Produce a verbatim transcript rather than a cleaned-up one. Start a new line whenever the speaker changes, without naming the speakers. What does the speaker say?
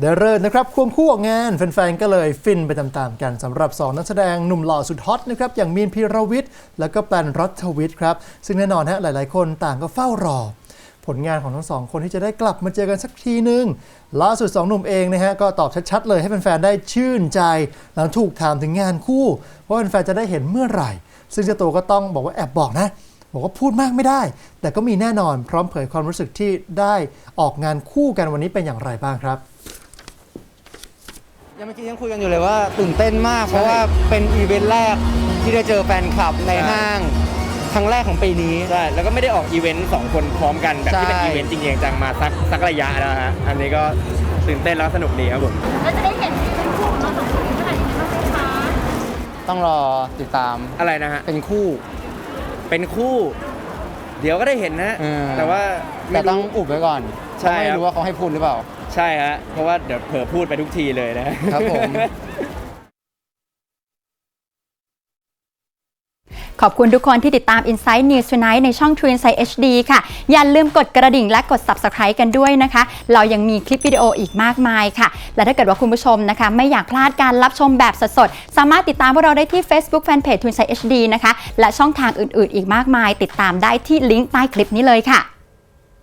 เดเริ่นะครับควงคู่ออกงานแฟนๆก็เลยฟินไปตามๆกันสำหรับสองนักแสดงหนุ่มหล่อสุดฮอตนะครับอย่างมีนพีรวิทย์แล้วก็แปนรัฐวิทย์ครับซึ่งแน่นอนฮะหลายๆคนต่างก็เฝ้ารอผลงานของทั้งสองคนที่จะได้กลับมาเจอกันสักทีนึงล่าสุดสองหนุ่มเองนะฮะก็ตอบชัดๆเลยให้แฟนๆได้ชื่นใจหลังถูกถามถึงงานคู่ว่าแฟนๆจะได้เห็นเมื่อไหร่ซึ่งเจ้าตัวก็ต้องบอกว่าแอบบอกนะบอกว่าพูดมากไม่ได้แต่ก็มีแน่นอนพร้อมเผยความรู้สึกที่ได้ออกงานคู่กันวันนี้เป็นอย่างไรบ้างครับ
ยังเมื่อกี้ยังคุยกันอยู่เลยว่าตื่นเต้นมากเพราะว่าเป็นอีเวนต์แรกที่ได้เจอแฟนคลับในห้างครั้งแรกของปีนี้
ใช่แล้วก็ไม่ได้ออกอีเวนต์สองคนพร้อมกันแบบที่เป็นอีเวนต์จริงๆจังมาสักสักระยะแล้วฮะอันนี้ก็ตื่นเต้นแล้วสนุกดีครับผม
แล้วจะได้เห็นเป็นคู่ของเราสองคนเมื่อไหร่นี้บ้างไหมคะ
ต้องรอติดตาม
อะไรนะฮะ
เป็นคู่
เป็นคู่เดี๋ยวก็ได้เห็นนะแต่ว่า
แต่ต้องอุบไว้ก่อนใช่ไม่รู้ว่าเขาให้พูดหรือเปล่า
ใช่ฮะเพราะว่าเดี๋ยวเผลอพูดไปทุกทีเลยนะครับ
ผม
ขอบคุณทุกคนที่ติดตาม Inside News Tonight ในช่อง True Insight เอช ดี ค่ะอย่าลืมกดกระดิ่งและกด Subscribe กันด้วยนะคะเรายังมีคลิปวิดีโออีกมากมายค่ะและถ้าเกิดว่าคุณผู้ชมนะคะไม่อยากพลาดการรับชมแบบสดๆสามารถติดตามพวกเราได้ที่ Facebook Fanpage True Insight เอช ดี นะคะและช่องทางอื่นๆอีกมากมายติดตามได้ที่ลิงก์ใต้คลิปนี้เลยค่ะ